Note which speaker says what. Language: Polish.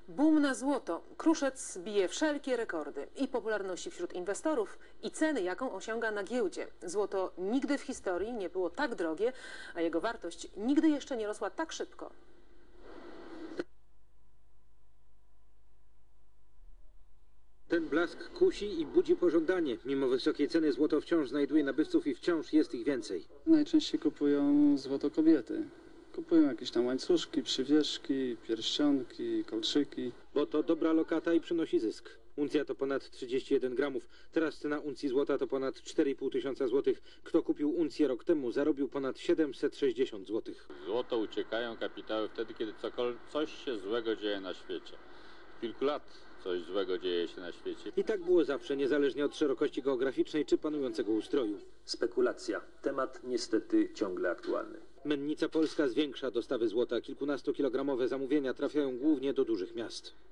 Speaker 1: Boom na złoto. Kruszec bije wszelkie rekordy i popularności wśród inwestorów, i ceny, jaką osiąga na giełdzie. Złoto nigdy w historii nie było tak drogie, a jego wartość nigdy jeszcze nie rosła tak szybko.
Speaker 2: Ten blask kusi i budzi pożądanie. Mimo wysokiej ceny złoto wciąż znajduje nabywców i wciąż jest ich więcej.
Speaker 3: Najczęściej kupują złoto kobiety. Kupują jakieś tam łańcuszki, przywieszki, pierścionki, kolczyki.
Speaker 2: Bo to dobra lokata i przynosi zysk. Uncja to ponad 31 gramów. Teraz cena uncji złota to ponad 4,5 tysiąca złotych. Kto kupił uncję rok temu, zarobił ponad 760 złotych.
Speaker 4: W złoto uciekają kapitały wtedy, kiedy coś się złego dzieje na świecie. W kilku lat coś złego dzieje się na świecie.
Speaker 2: I tak było zawsze, niezależnie od szerokości geograficznej czy panującego ustroju.
Speaker 5: Spekulacja. Temat niestety ciągle aktualny.
Speaker 2: Mennica Polska zwiększa dostawy złota. Kilkunastokilogramowe zamówienia trafiają głównie do dużych miast.